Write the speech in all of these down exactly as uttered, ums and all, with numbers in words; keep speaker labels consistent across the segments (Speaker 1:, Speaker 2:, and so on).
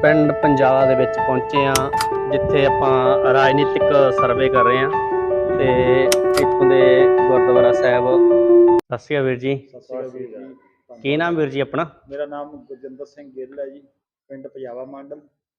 Speaker 1: ਪਿੰਡ ਪੰਜਾਲਾ ਦੇ ਵਿੱਚ ਪਹੁੰਚੇ ਆ, ਜਿੱਥੇ ਆਪਾਂ ਰਾਜਨੀਤਿਕ ਸਰਵੇ ਕਰ ਰਹੇ ਹਾਂ ਤੇ ਇੱਥੋਂ ਦੇ ਗੁਰਦੁਆਰਾ ਸਾਹਿਬ। ਸਤਿ ਸ਼੍ਰੀ ਅਕਾਲ ਵੀਰ ਜੀ।
Speaker 2: ਸਤਿ ਸ਼੍ਰੀ ਅਕਾਲ ਵੀਰ ਜੀ।
Speaker 1: ਕੀ ਨਾਮ ਵੀਰ ਜੀ ਆਪਣਾ?
Speaker 2: ਮੇਰਾ ਨਾਮ ਗੁਰਜਿੰਦਰ ਸਿੰਘ ਗਿੱਲ ਹੈ ਜੀ, ਪਿੰਡ ਪੰਜਾਲਾ ਮੰਡਲ।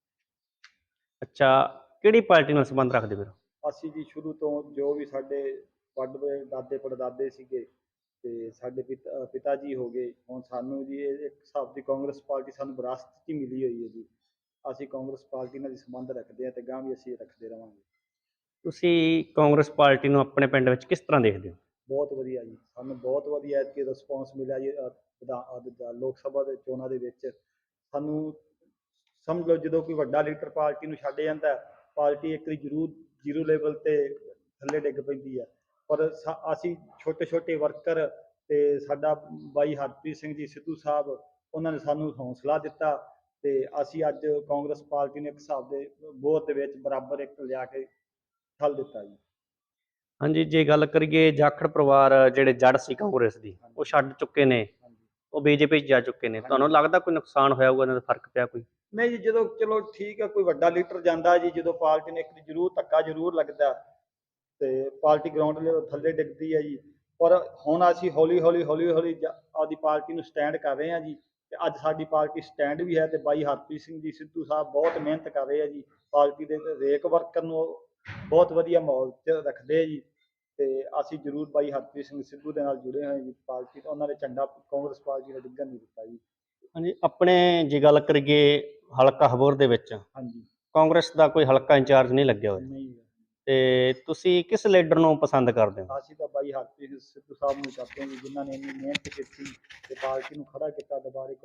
Speaker 1: ਅੱਛਾ, ਕਿਹੜੀ ਪਾਰਟੀ ਨਾਲ ਸੰਬੰਧ ਰੱਖਦੇ ਵੀਰ?
Speaker 2: ਅਸੀਂ ਜੀ ਸ਼ੁਰੂ ਤੋਂ ਜੋ ਵੀ ਸਾਡੇ ਵੱਡੇ ਦਾਦੇ ਪੜਦਾਦੇ ਸੀਗੇ ਤੇ ਸਾਡੇ ਪਿਤਾ ਪਿਤਾ ਜੀ ਹੋ ਗਏ, ਹੁਣ ਸਾਨੂੰ ਜੀ ਇਹ ਇੱਕ ਹਿਸਾਬ ਦੀ ਕਾਂਗਰਸ ਪਾਰਟੀ ਸਾਨੂੰ ਵਿਰਾਸਤ 'ਚ ਹੀ ਮਿਲੀ ਹੋਈ ਹੈ ਜੀ। ਅਸੀਂ ਕਾਂਗਰਸ ਪਾਰਟੀ ਨਾਲ ਹੀ ਸੰਬੰਧ ਰੱਖਦੇ ਹਾਂ ਤੇ ਗਾਂ ਵੀ ਅਸੀਂ ਰੱਖਦੇ ਰਵਾਂਗੇ।
Speaker 1: ਤੁਸੀਂ ਕਾਂਗਰਸ ਪਾਰਟੀ ਨੂੰ ਆਪਣੇ ਪਿੰਡ ਵਿੱਚ ਕਿਸ ਤਰ੍ਹਾਂ ਦੇਖਦੇ ਹੋ?
Speaker 2: ਬਹੁਤ ਵਧੀਆ ਜੀ, ਸਾਨੂੰ ਬਹੁਤ ਵਧੀਆ ਐਤਕੀ ਰਿਸਪੌਂਸ ਮਿਲਿਆ ਜੀ। ਲੋਕ ਸਭਾ ਦੇ ਚੋਣਾਂ ਦੇ ਵਿੱਚ ਸਾਨੂੰ ਸਮਝ ਲਓ, ਜਦੋਂ ਕੋਈ ਵੱਡਾ ਲੀਡਰ ਪਾਰਟੀ ਨੂੰ ਛੱਡ ਜਾਂਦਾ, ਪਾਰਟੀ ਇੱਕ ਵਾਰੀ ਜ਼ਰੂਰ ਜ਼ੀਰੋ ਲੈਵਲ ਤੇ ਥੱਲੇ ਡਿੱਗ ਪੈਂਦੀ ਹੈ। ਪਰ ਅਸੀਂ ਛੋਟੇ ਛੋਟੇ ਵਰਕਰ ਤੇ ਸਾਡਾ ਬਾਈ ਹਰਪ੍ਰੀਤ ਸਿੰਘ ਜੀ ਸਿੱਧੂ ਸਾਹਿਬ, ਉਹਨਾਂ ਨੇ ਸਾਨੂੰ ਹੌਸਲਾ ਦਿੱਤਾ ਤੇ ਅਸੀਂ ਅੱਜ ਕਾਂਗਰਸ ਪਾਰਟੀ ਨੂੰ ਇੱਕ ਹਿਸਾਬ ਦੇ ਬੋਧ ਦੇ ਵਿੱਚ ਬਰਾਬਰ ਇੱਕ ਲਿਆ ਕੇ ਠੱਲ ਦਿੱਤਾ ਜੀ।
Speaker 1: ਹਾਂਜੀ, ਜੇ ਗੱਲ ਕਰੀਏ ਜਾਖੜ ਪਰਿਵਾਰ ਜਿਹੜੇ ਜੜ ਸੀ ਕਾਂਗਰਸ ਦੀ, ਉਹ ਛੱਡ ਚੁੱਕੇ ਨੇ, ਉਹ ਬੀਜੇਪੀ 'ਚ ਜਾ ਚੁੱਕੇ ਨੇ। ਤੁਹਾਨੂੰ ਲੱਗਦਾ ਕੋਈ ਨੁਕਸਾਨ ਹੋਇਆ ਹੋਊਗਾ, ਇਹਨਾਂ ਦਾ ਫਰਕ ਪਿਆ ਕੋਈ?
Speaker 2: ਨਹੀਂ ਜੀ, ਜਦੋਂ ਚਲੋ ਠੀਕ ਹੈ, ਕੋਈ ਵੱਡਾ ਲੀਡਰ ਜਾਂਦਾ ਜੀ, ਜਦੋਂ ਪਾਰਟੀ ਨੇ ਇੱਕ ਜ਼ਰੂਰ ਧੱਕਾ ਜ਼ਰੂਰ ਲੱਗਦਾ ਤੇ ਪਾਰਟੀ ਗਰਾਊਂਡ ਲੈਵਲ ਥੱਲੇ ਡਿੱਗਦੀ ਹੈ ਜੀ। ਪਰ ਹੁਣ ਅਸੀਂ ਹੌਲੀ ਹੌਲੀ ਹੌਲੀ ਹੌਲੀ ਆਪਦੀ ਪਾਰਟੀ ਨੂੰ ਸਟੈਂਡ ਕਰ ਰਹੇ ਹਾਂ ਜੀ ਤੇ ਅੱਜ ਸਾਡੀ ਪਾਰਟੀ ਸਟੈਂਡ ਵੀ ਹੈ ਤੇ ਬਾਈ ਹਰਪ੍ਰੀਤ ਸਿੰਘ ਜੀ ਸਿੱਧੂ ਸਾਹਿਬ ਬਹੁਤ ਮਿਹਨਤ ਕਰ ਰਹੇ ਆ ਜੀ। ਪਾਰਟੀ ਦੇ ਹਰੇਕ ਵਰਕਰ ਨੂੰ ਬਹੁਤ ਵਧੀਆ ਮਾਹੌਲ 'ਚ ਰੱਖਦੇ ਆ ਜੀ ਤੇ ਅਸੀਂ ਜ਼ਰੂਰ ਬਾਈ ਹਰਪ੍ਰੀਤ ਸਿੰਘ ਸਿੱਧੂ ਦੇ ਨਾਲ ਜੁੜੇ ਹੋਏ ਜੀ। ਪਾਰਟੀ ਤੋਂ ਉਹਨਾਂ ਨੇ ਝੰਡਾ ਕਾਂਗਰਸ ਪਾਰਟੀ ਦਾ ਡਿੱਗਣ ਨਹੀਂ ਦਿੱਤਾ ਜੀ।
Speaker 1: ਹਾਂਜੀ, ਆਪਣੇ ਜੇ ਗੱਲ ਕਰੀਏ ਹਲਕਾ ਹਬੋਰ ਦੇ ਵਿੱਚ,
Speaker 2: ਹਾਂਜੀ, ਕਾਂਗਰਸ
Speaker 1: ਕਾਂਗਰਸ ਦਾ ਕੋਈ ਹਲਕਾ ਇੰਚਾਰਜ ਨਹੀਂ ਲੱਗਿਆ ਹੋਇਆ,
Speaker 2: ਨਹੀਂ
Speaker 1: ਤੇ ਤੁਸੀਂ ਕਿਸ ਲੀਡਰ ਨੂੰ ਪਸੰਦ ਕਰਦੇ ਹੋ?
Speaker 2: ਅਸੀਂ ਤਾਂ ਬਾਈ ਹਰਪ੍ਰੀਤ ਸਿੱਧੂ ਸਾਹਿਬ ਨੂੰ ਕਰਦੇ ਹਾਂ ਜੀ, ਜਿਨ੍ਹਾਂ ਨੇ ਇੰਨੀ ਮਿਹਨਤ ਕੀਤੀ ਤੇ ਪਾਰਟੀ ਨੂੰ ਖੜਾ ਕੀਤਾ ਦੁਬਾਰੇ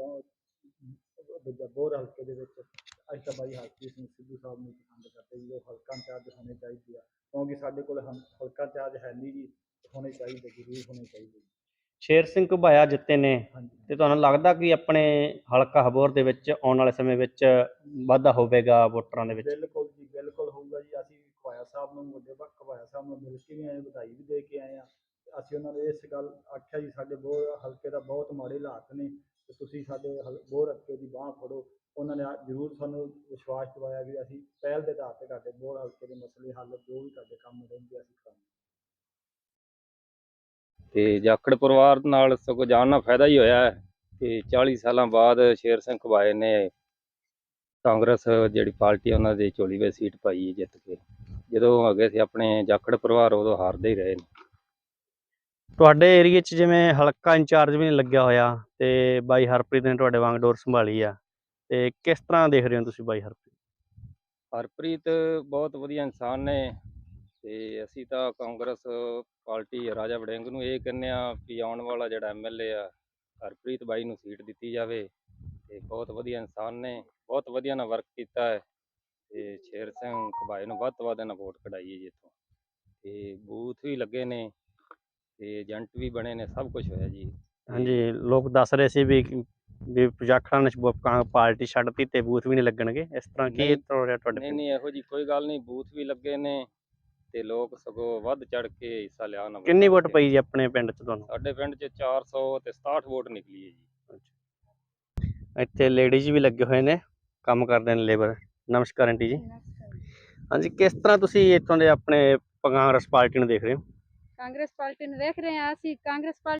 Speaker 2: ਬੋਰ ਹਲਕੇ ਦੇ ਵਿੱਚ। ਅਸੀਂ ਤਾਂ ਬਾਈ ਹਰਪ੍ਰੀਤ ਸਿੰਘ ਸਿੱਧੂ ਸਾਹਿਬ ਨੂੰ ਪਸੰਦ ਕਰਦੇ ਜੀ। ਉਹ ਹਲਕਾ ਇੰਚਾਰਜ ਹੋਣੇ ਚਾਹੀਦੇ ਆ, ਕਿਉਂਕਿ ਸਾਡੇ ਕੋਲ ਹਲਕਾ ਇੰਚਾਰਜ ਹੈ ਨਹੀਂ ਜੀ, ਹੋਣੇ ਚਾਹੀਦੇ, ਜ਼ਰੂਰ ਹੋਣੇ ਚਾਹੀਦੇ।
Speaker 1: ਸ਼ੇਰ ਸਿੰਘ ਘੁਬਾਇਆ ਜਿੱਤੇ ਨੇ,
Speaker 2: ਹਾਂਜੀ,
Speaker 1: ਤੇ ਤੁਹਾਨੂੰ ਲੱਗਦਾ ਕਿ ਆਪਣੇ ਹਲਕਾ ਹਬੋਰ ਦੇ ਵਿੱਚ ਆਉਣ ਵਾਲੇ ਸਮੇਂ ਵਿੱਚ ਵਾਧਾ ਹੋਵੇਗਾ ਵੋਟਰਾਂ ਦੇ ਵਿੱਚ?
Speaker 2: ਬਿਲਕੁਲ ਜੀ, ਬਿਲਕੁਲ ਹੋਊਗਾ ਜੀ। ਅਸੀਂ ਘੁਬਾਇਆ ਸਾਹਿਬ ਨੂੰ, ਵੱਡੇ ਘੁਬਾਇਆ ਸਾਹਿਬ ਨੂੰ ਮਿਲ ਕੇ ਵੀ ਆਏ, ਵਧਾਈ ਵੀ ਦੇ ਕੇ ਆਏ ਹਾਂ। ਅਸੀਂ ਉਹਨਾਂ ਨੂੰ ਇਸ ਗੱਲ ਆਖਿਆ ਜੀ, ਸਾਡੇ ਬੋਰ ਹਲਕੇ ਦਾ ਬਹੁਤ ਮਾੜੇ ਹਾਲਾਤ ਨੇ ਤੇ ਤੁਸੀਂ ਸਾਡੇ ਹਲ ਬੋਰ ਹਲਕੇ ਦੀ ਬਾਂਹ ਫੜੋ। ਉਹਨਾਂ ਨੇ ਜ਼ਰੂਰ ਸਾਨੂੰ ਵਿਸ਼ਵਾਸ ਦਿਵਾਇਆ ਵੀ ਅਸੀਂ ਪਹਿਲ ਦੇ ਆਧਾਰ 'ਤੇ ਤੁਹਾਡੇ ਬੋਰ ਹਲਕੇ ਦੇ ਮਸਲੇ ਹੱਲ, ਜੋ ਵੀ ਤੁਹਾਡੇ ਕੰਮ ਰਹਿੰਦੇ ਅਸੀਂ ਕਰਾਂਗੇ।
Speaker 3: ਤੇ ਜਾਖੜ ਪਰਿਵਾਰ ਨਾਲ ਸਗੋਂ ਜਾਣ ਨਾਲ ਫਾਇਦਾ ਹੀ ਹੋਇਆ ਹੈ ਕਿ ਚਾਲੀ ਸਾਲਾਂ ਬਾਅਦ ਸ਼ੇਰ ਸਿੰਘ ਘੁਬਾਏ ਨੇ ਕਾਂਗਰਸ ਜਿਹੜੀ ਪਾਰਟੀ ਉਹਨਾਂ ਦੀ ਝੋਲੀ ਵਿੱਚ ਸੀਟ ਪਾਈ ਜਿੱਤ ਕੇ। ਜਦੋਂ ਅੱਗੇ ਸੀ ਆਪਣੇ ਜਾਖੜ ਪਰਿਵਾਰ, ਉਦੋਂ ਹਾਰਦੇ ਹੀ ਰਹੇ ਨੇ।
Speaker 1: ਤੁਹਾਡੇ ਏਰੀਏ 'ਚ ਜਿਵੇਂ ਹਲਕਾ ਇੰਚਾਰਜ ਵੀ ਨਹੀਂ ਲੱਗਿਆ ਹੋਇਆ ਤੇ ਬਾਈ ਹਰਪ੍ਰੀਤ ਨੇ ਤੁਹਾਡੇ ਵਾਂਗ ਡੋਰ ਸੰਭਾਲੀ ਆ, ਤੇ ਕਿਸ ਤਰ੍ਹਾਂ ਦੇਖ ਰਹੇ ਹੋ ਤੁਸੀਂ ਬਾਈ ਹਰਪ੍ਰੀਤ?
Speaker 3: ਹਰਪ੍ਰੀਤ ਬਹੁਤ ਵਧੀਆ ਇਨਸਾਨ ਨੇ ਤੇ ਅਸੀਂ ਤਾਂ ਕਾਂਗਰਸ ਪਾਰਟੀ ਰਾਜਾ ਵੜਿੰਗ ਨੂੰ ਇਹ ਕਹਿੰਦੇ ਆ ਕਿ ਆਉਣ ਵਾਲਾ ਜਿਹੜਾ ਐਮ ਐਲ ਏ ਆ ਹਰਪ੍ਰੀਤ ਬਾਈ ਨੂੰ ਸੀਟ ਦਿੱਤੀ ਜਾਵੇ। ਤੇ ਬਹੁਤ ਵਧੀਆ ਇਨਸਾਨ ਨੇ, ਬਹੁਤ ਵਧੀਆ ਨਾਲ ਵਰਕ ਕੀਤਾ ਹੈ ਤੇ ਸ਼ੇਰ ਸਿੰਘ ਘੁਬਾਏ ਨੂੰ ਵੱਧ ਤੋਂ ਵੱਧ ਨਾਲ ਵੋਟ ਕਢਾਈਏ ਜੀ ਇੱਥੋਂ। ਤੇ ਬੂਥ ਵੀ ਲੱਗੇ ਨੇ ਤੇ ਏਜੰਟ ਵੀ ਬਣੇ ਨੇ, ਸਭ ਕੁਝ ਹੋਇਆ ਜੀ।
Speaker 1: ਹਾਂਜੀ, ਲੋਕ ਦੱਸ ਰਹੇ ਸੀ ਵੀ ਵੀ ਜਾਖੜਾਂ ਨੇ ਪਾਰਟੀ ਛੱਡਤੀ ਤੇ ਬੂਥ ਵੀ ਨਹੀਂ ਲੱਗਣਗੇ, ਇਸ ਤਰ੍ਹਾਂ ਕੀ ਹੋ ਰਿਹਾ ਤੁਹਾਡੇ
Speaker 3: ਨਹੀਂ
Speaker 1: ਪਿੰਡ?
Speaker 3: ਨਹੀਂ ਇਹੋ ਜੀ ਕੋਈ ਗੱਲ ਨਹੀਂ, ਬੂਥ ਵੀ ਲੱਗੇ ਨੇ ਤੇ ਲੋਕ ਸਗੋਂ ਵੱਧ ਚੜ ਕੇ ਹਿੱਸਾ ਲਿਆ ਨਾ।
Speaker 1: ਕਿੰਨੀ ਵੋਟ ਪਈ ਜੀ ਆਪਣੇ ਪਿੰਡ 'ਚ ਤੁਹਾਨੂੰ?
Speaker 3: ਸਾਡੇ ਪਿੰਡ 'ਚ ਚਾਰ ਸੌ ਤੇ ਸਤਾਹਠ ਵੋਟ ਨਿਕਲੀ ਹੈ ਜੀ।
Speaker 1: ਇੱਥੇ ਲੇਡੀਜ਼ ਵੀ ਲੱਗੇ ਹੋਏ ਨੇ, ਕੰਮ ਕਰਦੇ ਨੇ, ਲੇਬਰ। ਨਮਸਕਾਰ ਆਂਟੀ ਜੀ। ਹਾਂਜੀ, ਕਿਸ ਤਰ੍ਹਾਂ ਤੁਸੀਂ ਇੱਥੋਂ ਦੇ ਆਪਣੇ ਕਾਂਗਰਸ ਪਾਰਟੀ ਨੂੰ ਦੇਖ ਰਹੇ ਹੋ?
Speaker 4: ਕਾਂਗਰਸ ਪਾਰਟੀ ਨੂੰ ਦੇਖ ਰਹੇ ਹਾਂ ਅਸੀਂ। ਕਾਂਗਰਸ ਪਾਰਟੀ